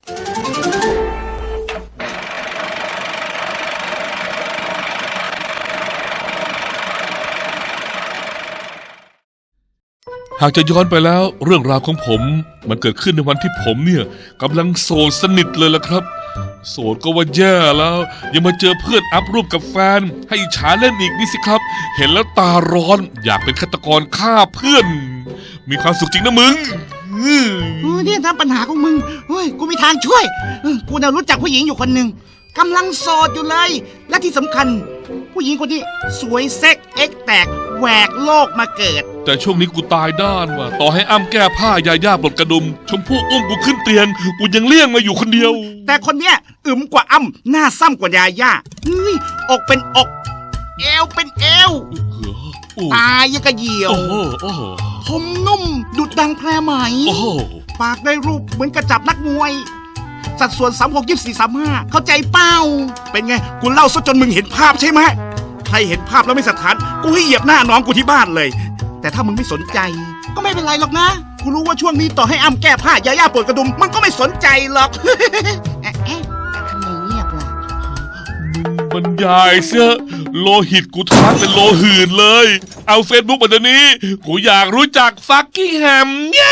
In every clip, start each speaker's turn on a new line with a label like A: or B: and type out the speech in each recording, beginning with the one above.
A: หากจะย้อนไปแล้วเรื่องราวของผมมันเกิดขึ้นในวันที่ผมเนี่ยกำลังโสดสนิทเลยล่ะครับโสดก็ว่าแย่แล้วยังมาเจอเพื่อนอัพรูปกับแฟนให้อิจฉาเล่นอีกนี่สิครับเห็นแล้วตาร้อนอยากเป็นฆาตกรฆ่าเพื่อนมีความสุขจริงนะมึง
B: เนี่ยถ้าปัญหาของมึงเฮ้ยกูมีทางช่วยกูเนี่ยรู้จักผู้หญิงอยู่คนหนึ่งกำลังโสดอยู่เลยและที่สำคัญผู้หญิงคนนี้สวยเซ็กเอ็กแตกแหวกโลกมาเกิด
A: แต่ช่วงนี้กูตายด้านว่ะต่อให้อ้ำแก้ผ้ายาย่าปลดกระดุมชมพู่อุ้มกูขึ้นเตียงกูยังเลี่ยงมาอยู่คนเดียว
B: แต่คนเนี้ยอึมกว่าอ้ำหน้าซ้ำกว่ายาย่าอกเป็นอกเอวเป็นเอวตายยังกระเหี่ยวผมนุ่มดุดดังแพรไหมปากได้รูปเหมือนกระจับนักมวยสัดส่วน36 24 35เข้าใจเป้าเป็นไงกูเล่าซะจนมึงเห็นภาพใช่ไหมใครเห็นภาพแล้วไม่สถานกูให้เหยียบหน้าน้องกูที่บ้านเลยแต่ถ้ามึงไม่สนใจก็ไม่เป็นไรหรอกนะกูรู้ว่าช่วงนี้ต่อให้อ้ำแก้ผ้ายาย่าปวดกระดุมมันก็ไม่สนใจหรอกทำไมเงียบล่ะ
A: มึงบรรยายเสื้อโลหิตกูทะเป็นโลหื่นเลยเอาเฟซบุ๊กมาเดี๋ยวนี้กูอยากรู้จักฟักกิ้งแฮม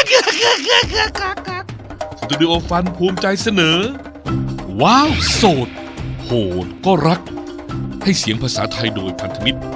A: สตูดิโอฟันภูมิใจเสนอว้าวโสดโหดก็รักให้เสียงภาษาไทยโดยพันธมิตร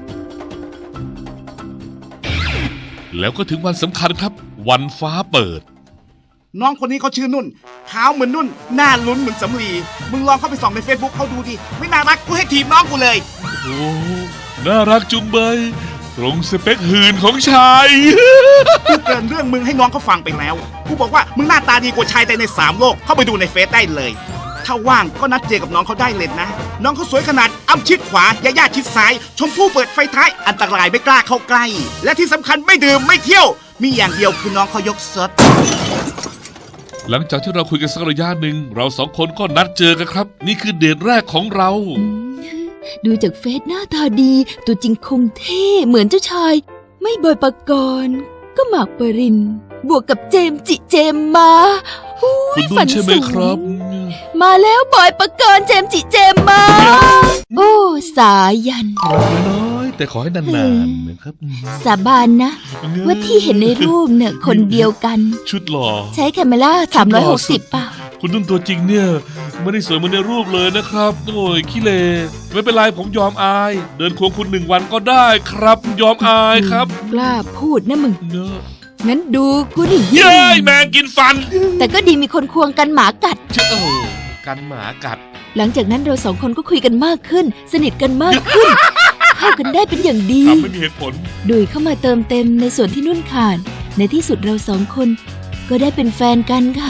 A: แล้วก็ถึงวันสำคัญครับวันฟ้าเปิด
B: น้องคนนี้เขาชื่อนุ่นขาวเหมือนนุ่นหน้าลุ้นเหมือนสำลีมึงลองเข้าไปส่องใน Facebook เขาดูดิไม่น่ารักกูให้ทีมน้องกูเลย
A: โอ้น่ารักจุงเบยตรงสเปคหื่นของชาย
B: กูเกินเรื่องมึงให้น้องเขาฟังไปแล้วกูบอกว่ามึงหน้าตาดีกว่าชายแต่ใน3 โลกเข้าไปดูในเฟซได้เลยถ้าว่างก็นัดเจอกับน้องเขาได้เลยนะน้องเขาสวยขนาดอ้ำชิดขวายาย่าชิดซ้ายชมพู่เปิดไฟท้ายอันตรายไม่กล้าเข้าใกล้และที่สำคัญไม่ดื่มไม่เที่ยวมีอย่างเดียวคือน้องเขายกซด
A: หลังจากที่เราคุยกันสักระยะหนึ่งเรา2 คนก็นัดเจอกันครับนี่คือเดทแรกของเรา
C: ดูจากเฟซหน้าตาดีตัวจริงคงเท่เหมือนเจ้าชายไม่บอยปกรณ์ก็หมากปรินบวกกับเจมจิเจมมา
A: คุณนุ่นใช่ไหมครับ
C: มาแล้วบอยปกรณ์เจมจิเจมมาโอ้สายัน
A: น้อยแต่ขอให้นานๆนะครับ
C: สาบานนะว่าที่เห็นในรูปเนี่ยคนเดียวกัน
A: ชุดหล่อ
C: ใช้แคมเมล่า360ป่ะ
A: คุณนุ่นตัวจริงเนี่ยไม่ได้สวยเหมือนในรูปเลยนะครับโอ้ยขี้เลไม่เป็นไรผมยอมอายเดินควงคุณ1 วันก็ได้ครับยอมอายครับ
C: กล้าพูดนะมึง
A: เนอะ
C: งั้นดูกูดิ
A: เย้ยแมงกินฟัน
C: แต่ก็ดีมีคนควงกันหมากัด
A: กันหมากัด
C: หลังจากนั้นเรา2 คนก็คุยกันมากขึ้นสนิทกันมากขึ้นเข้ากันได้เป็นอย่างดี
A: ไม่มีเหตุผล
C: ดุยเข้ามาเติมเต็มในส่วนที่นุ่นขาดในที่สุดเรา2 คนก็ได้เป็นแฟนกันค่ะ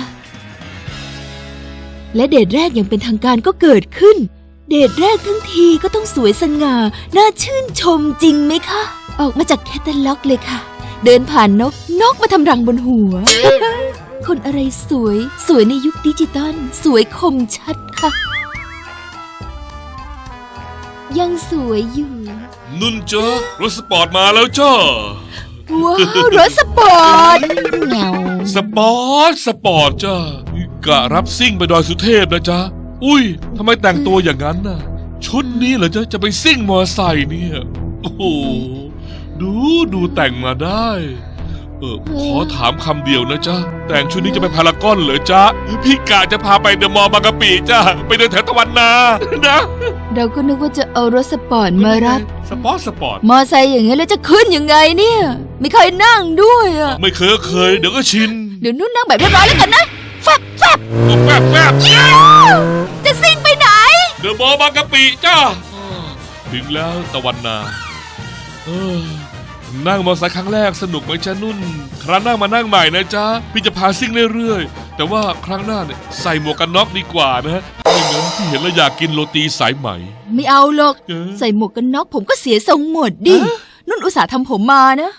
C: และเดทแรกอย่างเป็นทางการก็เกิดขึ้นเดทแรกทั้งทีก็ต้องสวยสง่าน่าชื่นชมจริงไหมคะออกมาจากแคตตาล็อกเลยค่ะเดินผ่านนกมาทำรังบนหัวคนอะไรสวยในยุคดิจิตอลสวยคมชัดค่ะยังสวยอยู่
A: นุ่นจ้ารถสปอร์ตมาแล้วจ้า
C: ว้าวรถสปอร์ตเงา
A: สปอร์ตจ้ากะรับซิ่งไปดอยสุเทพนะจ๊ะอุ้ยทำไมแต่งตัวอย่างนั้นน่ะชุดนี้เหรอจ๊ะจะไปซิ่งมอไซค์เนี่ยโอ้โหดูแต่งมาได้ขอถามคำเดียวนะจ๊ะแต่งชุดนี้จะไปพารากอนเหรอจ๊ะพี่กะจะพาไปเดอะมอลล์บางกะปิจ้ะไปเดินแถวตะวันนานะ
C: เราก็นึกว่าจะเอารถสปอร์ตมารับ
A: สปอร์ต
C: มอไซค์อย่างเงี้ยแล้วจะขึ้นยังไงเนี่ยไม่เคยนั่งด้วยอ่ะ
A: ไม่เคยเดี๋ยวก็ชิน
C: เดี๋ยวนุ่นนั่งแบบเรียบร้อยแล้วกันนะแฟบจะซิ่งไปไหน
A: เดอะมอลล์บางกะปิจ้ะถึงแล้วตะวันนานั่งมอเตอร์ไซค์ครั้งแรกสนุกไหมจ๊ะนุ่นครั้งหน้ามานั่งใหม่นะจ๊ะพี่จะพาซิ่งเรื่อยๆแต่ว่าครั้งหน้าเนี่ยใส่หมวกกันน็อกดีกว่านะไม่งั้นพี่เห็นแล้วอยากกินโรตีสายไหม
C: ไม่เอาหรอกใส่หมวกกันน็อกผมก็เสียทรงหมดดินุ่นอุตส่าห์ทำผมมานะ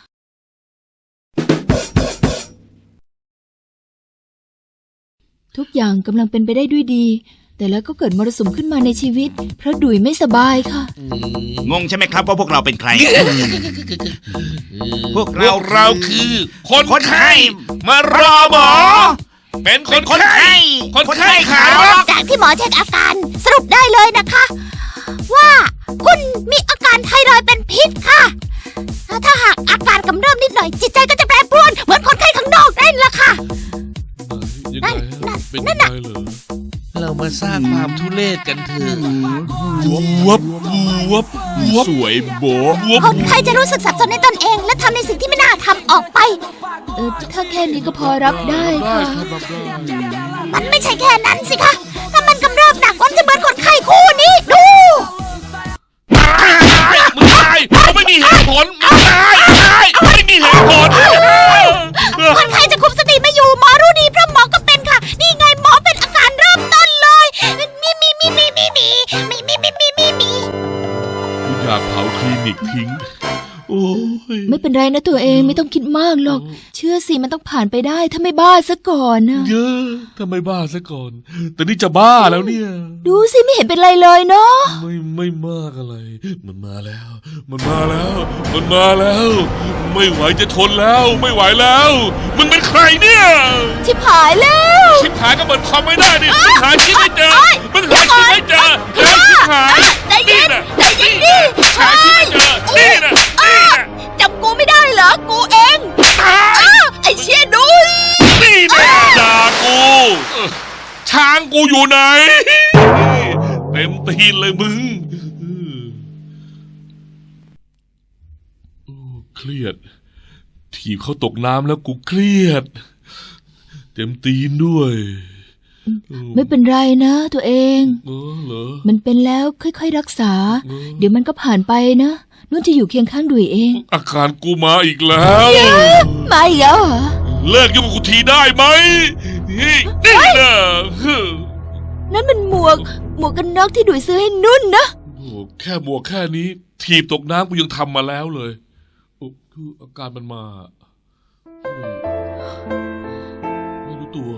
C: ทุกอย่างกำลังเป็นไปได้ด้วยดีแต่แล้วก็เกิดมรสุมขึ้นมาในชีวิตเพราะดุยไม่สบายค่ะ
B: งงใช่ไหมครับว่าพวกเราเป็นใครพวกเรา
A: คือคนไข้มารอหมอ
B: ไป
A: เป็นค
B: เป็น
A: น
B: คน
A: ไข้
B: ไข้
A: คนไข้ขา
B: ร็อก
D: จากที่หมอเช็คอาการสรุปได้เลยนะคะ ว่าคุณมีอาการไทรอยด์เป็นพิษค่ะ ถ้าหากอาการกำเริบนิดหน่อยจิตใจก็จะแปรปรวนเหมือนคนไข้ข้างนอกนั่นแหละค่ะ
A: ยังไงฮะเป็นยังไงเหรอ
E: เรามาสร้างความทุเรศกันเถอะ
A: วับวับวับ
B: สวยโบะ
A: วับ
D: คนไข้จะรู้สึกสับสนในตนเอง และทำในสิ่งที่ไม่น่าทำออกไป
C: ถ้าแค่นี้ก็พอรับได้
A: ได้
C: ค่ะ
A: ครับรับได้
D: มันไม่ใช่แค่นั้นสิคะ ถ้ามันกำเริบหนักมันจะเหมือนคนไข้คู่นี้ดู
A: มึงตายเขาไม่มีเหตุผลมึงตายไม่มีเหตุผล
D: คนไข้จะคุมสติไม่อยู่หมอรู้ดีเพราะหมอก็เป็นค่ะ นี่ไงหมอเป็นอาการเริ่มต้นเลยมี
A: กูอยากเผาคลินิกทิ้ง โอ้ย
C: ไม่เป็นไรนะตัวเองไม่ต้องคิดมากหรอก เชื่อสิมันต้องผ่านไปได้ถ้าไม่บ้าซะก่อนนะ
A: เยอะทำไมบ้าซะก่อน แต่นี่จะบ้าแล้วเนี่ย
C: ดูสิไม่เห็นเป็นไรเลยเนาะ
A: ไม่มากอะไร มันมาแล้ว มันมาแล้ว มันมาแล้ว ไม่ไหวจะทนแล้ว ไม่ไหวแล้ว มึงเป็นใครเนี่ย
C: ชิบหายแล้ว
A: ชิบหายก็เปิดคอมไม่ได้ดิมึงหาชิ้นไม่เจอมึงหาชิ้นไม่เจอแล้วชิบหาย
D: ใจเย็น
A: น่ะ
D: ใจเย็นดิ
A: หาชิ้นไม่เจอนี่น่ะนี่น่ะ
D: จำกูไม่ได้เหรอ กูเอง
A: ตาย
D: ไอ้เชี่ยดุย
A: นี่น่ะด่ากูช้างกูอยู่ไหน เต็มตีนเลยมึงโอ้เครียด ถีบเขาตกน้ำแล้วกูเครียด เต็มตีนด้วย
C: ไม่เป็นไรนะตัวเอง
A: เหรอ
C: มันเป็นแล้วค่อยๆรักษา เดี๋ยวมันก็ผ่านไปนะนุ่นจะอยู่เคียงข้างดุยเอง
A: อาการกูมาอีกแล้ว
C: มาอีกแล้วเหรอ
A: เลิกยุ่งกับกูทีได้ไหมนี่นะ
C: นั่นมันหมวกกันน็อกที่ดุยซื้อให้นุ่นนะ
A: โอ้แค่บวกแค่นี้ ถีบตกน้ำกูยังทำมาแล้วเลยโอ้คืออาการมันมาไม่รู้ตัว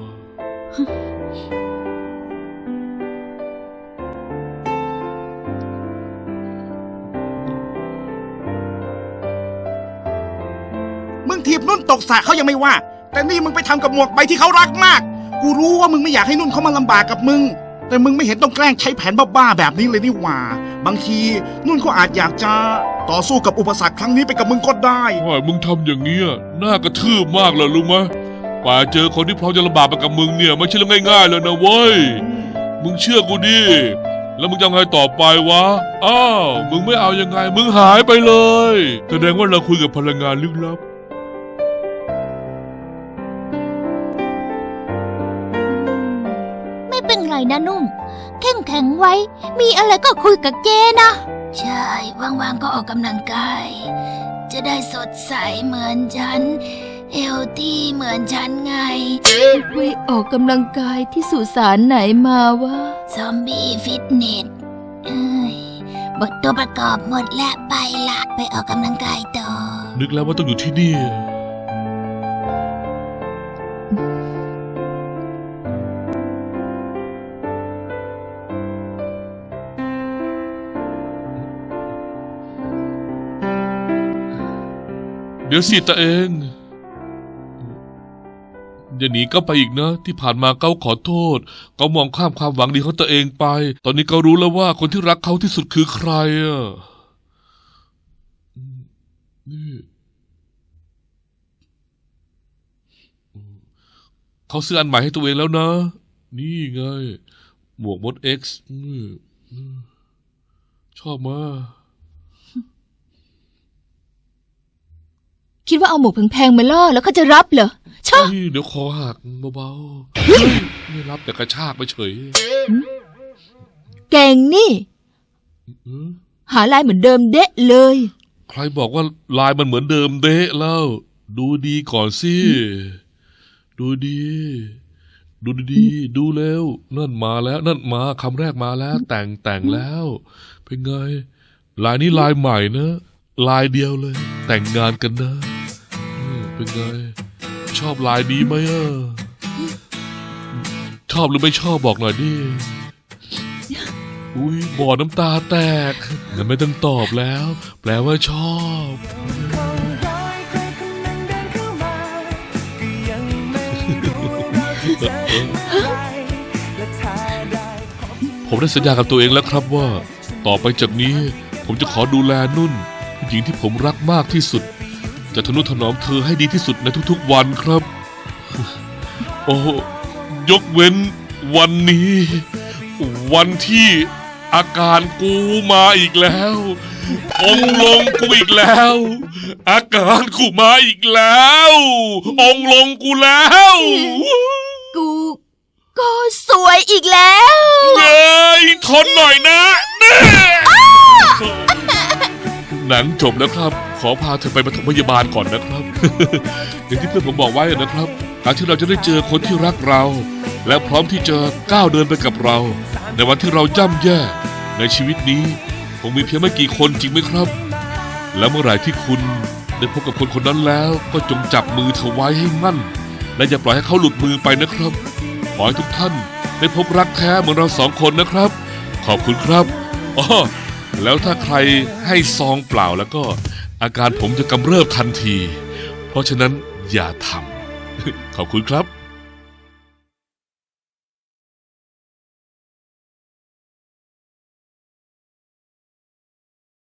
B: มึงถีบนุ่นตกสระเขายังไม่ว่า แต่นี่มึงไปทำกับหมวกใบที่เขารักมาก กูรู้ว่ามึงไม่อยากให้นุ่นเขามาลำบากกับมึง แต่มึงไม่เห็นต้องแกล้งใช้แผนบ้าๆแบบนี้เลยนี่หว่า บางทีนุ่นเขาอาจอยากจะต่อสู้กับอุปสรรคครั้งนี้ไปกับมึงก็ได้
A: ว่ามึงทำอย่างเงี้ยน่ากระทืบมากเลยรู้ไหมกว่าเจอคนที่พร้อมจะลำบากไปกับมึงเนี่ยไม่ใช่เรื่องง่ายๆเลยนะเว้ยมึงเชื่อกูดิแล้วมึงจะไงต่อไปวะอ้าวมึงไม่เอายังไง มึงหายไปเลยแสดงว่าเราคุยกับพลังงานลึกลับ
D: ไม่เป็นไรนะนุ่มเข้มแข็งไว้ มีอะไรก็คุยกับเจนะ ใช่ ว่างๆก็ออกกำลังกาย จะได้สดใสเหมือนฉัน เฮลตี้เหมือนฉันไง
C: ไปออกกำลังกายที่สุสานไหนมาวะ
D: ซอมบี้ฟิตเนสเอ้ยบทตัวประกอบหมดแล้วไปละไปออกกำลังกายต่อ
A: นึกแล้วว่าต้องอยู่ที่นี่เดี๋ยวสิตาเองอย่าหนีก็ไปอีกนะ ที่ผ่านมาเขาขอโทษเขามองข้ามความหวังดีของตัวเองไป ตอนนี้เขารู้แล้วว่าคนที่รักเขาที่สุดคือใครอ่ะนี่เขาซื้ออันใหม่ให้ตัวเองแล้วนะ นี่ไง หมวกมด X ชอบมาก
C: คิดว่าเอาหมวกแพงๆมาล่อแล้วเขาจะรับเหรอชอบ
A: เดี๋ยวคอหักเบาๆเฮ้ยไม่รับแต่กระชากไปเฉย
C: เก่งนี่ หาลายเหมือนเดิมเดะเลย
A: ใครบอกว่าลายมันเหมือนเดิมเดะแล้ว ดูดีก่อนสิ ดูดีดูเร็วนั่นมาแล้วนั่นมาคำแรกมาแล้ว แต่งแล้ว เป็นไง ลายนี้ลายใหม่นะลายเดียวเลย แต่งงานกันนะเป็นไง ชอบลายนี้ไหมอ่ะชอบหรือไม่ชอบบอกหน่อยดิอุ้ยบ่อน้ำตาแตกงั้นไม่ต้องตอบแล้ว แปลว่าชอบ
F: เ
A: ผมได้สัญญากับตัวเองแล้วครับว่า ต่อไปจากนี้ ผมจะขอดูแลนุ่นผู้หญิงที่ผมรักมากที่สุด จะทนุถนอมเธอให้ดีที่สุดในทุกๆวันครับ โอ้ยกเว้นวันนี้ วันที่อาการกูมาอีกแล้ว องค์ลงกูอีกแล้ว อาการกูมาอีกแล้ว องค์ลงกูแล้ว
C: กูก็สวยอีกแล้ว
A: เย้ยทนหน่อยนะแน่หนังจบแล้วครับ ขอพาเธอไปปฐมพยาบาลก่อนนะครับ อย่างที่เพื่อนผมบอกไว้นะครับการที่เราจะได้เจอคนที่รักเรา และพร้อมที่จะก้าวเดินไปกับเรา ในวันที่เราย่ำแย่ในชีวิตนี้คงมีเพียงไม่กี่คนจริงไหมครับ และเมื่อไหร่ที่คุณได้พบกับคนคนนั้นแล้ว ก็จงจับมือเธอไว้ให้มั่น และอย่าปล่อยให้เขาหลุดมือไปนะครับขอให้ทุกท่านได้พบรักแท้เหมือนเราสองคนนะครับ ขอบคุณครับอ๋อแล้วถ้าใครให้ซองเปล่าแล้วก็อาการผมจะกำเริบทันที เพราะฉะนั้นอย่าทำ ขอบคุณครับ